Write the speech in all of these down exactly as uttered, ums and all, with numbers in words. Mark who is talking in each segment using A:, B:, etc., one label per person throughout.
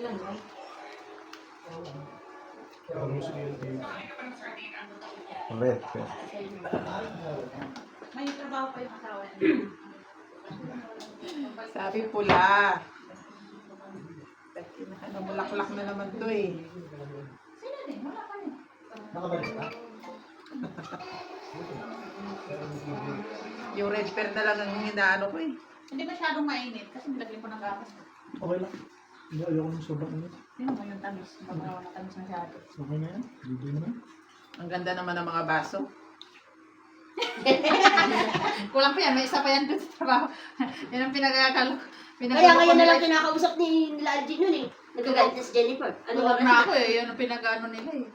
A: Red.
B: May trabaho pa yung asawa niya.
C: Sabi pula. Ano, mulaklak na naman to eh.
B: Sino din? Wala pa rin.
D: Nakabalik ka?
C: Yung red pear na lang ang hinaano ko eh.
B: Hindi masyadong mainit kasi nilagyan ko ng gatas.
D: Okay lang. Hindi, ayoko ng sobrang init.
B: Sino mo yung tamis? Magawa na tamis masyado.
D: Okay na yan. Hindi naman.
C: Ang ganda naman ng mga baso.
B: Kulang pa yan. May isa pa yan doon sa trabaho. Yan ang pinagkakalo.
E: Kaya ngayon na lang kinakausap ni nila Algin yun eh. Nagagalit na si Jennifer. Ano
B: Ano
E: ba
B: na ako eh. Yan ang pinag-ano nila eh.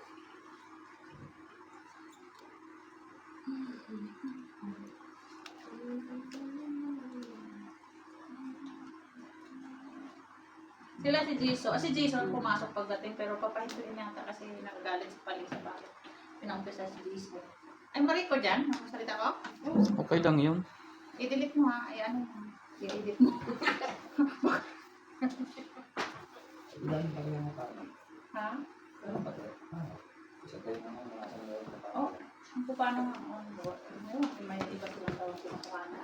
B: Sila si Jason. Ah, si Jason pumasok pagdating pero papahintuin yata kasi nagagalit sa paling sa bakit. Pinaumpisa si Jason. Ay, Mariko dyan? Ang salita ko?
F: Okay lang yun.
B: I-delete mo ha. Ay, ano mo. I-edit mo.
D: Ilan pa rin ang tao?
B: Ha?
D: Ilan pa rin? Ah, isa tayo na mga nasa ngayon na tao.
B: Oh, kung paano nga. Oh, may iba silang tawag kinukuha na.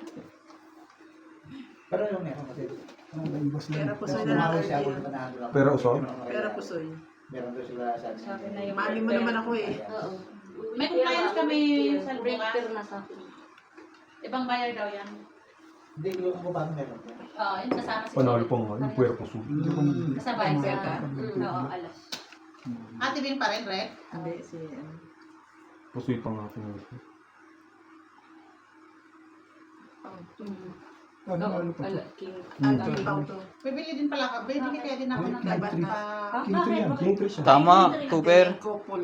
D: Pero yung meron kasi, ano ba ibas lang?
C: Pero pusoy na
D: Tumawag
C: lang
D: siya ako
C: yun.
D: na nahalo lang.
A: Pero uso?
C: Pero pusoy.
D: Meron doon sila sa
B: Sabi na yung
C: Mali mo naman ako eh.
E: Oo.
B: May compliance kami sa
E: break
B: bukas.
E: pero nasa akin.
B: Ibang bayar daw yan.
D: Hindi, yung kung paano meron.
B: Oo, yun kasama si
A: Panalo pa nga. Yung puwerpo su.
B: Kasabay
C: Ang
B: sa...
C: beka.
B: Oo, alas. Ate Bin pa rin, Red?
C: Hindi, si ano.
A: Pusoy pa nga ako.
D: Ano, ano pa ito?
C: Ang ikaw to.
B: Bibili din pala ka. Bibili kaya din ako ng
D: King
B: dapat
D: tree.
B: pa...
D: King tree yan, king tree siya.
F: Tama, Cooper.
C: Couple.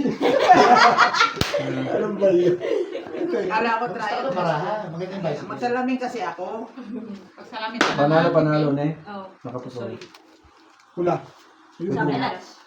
D: Alam ba yun?
C: Kala ko trial.
D: Maraha, maganda yung bicycle.
C: Magsalamin kasi ako.
B: Pagsalamin sa
A: Panalo, panalo na eh.
B: Oo.
A: Nakapusoy.
D: Hula.
E: Sa akin alas.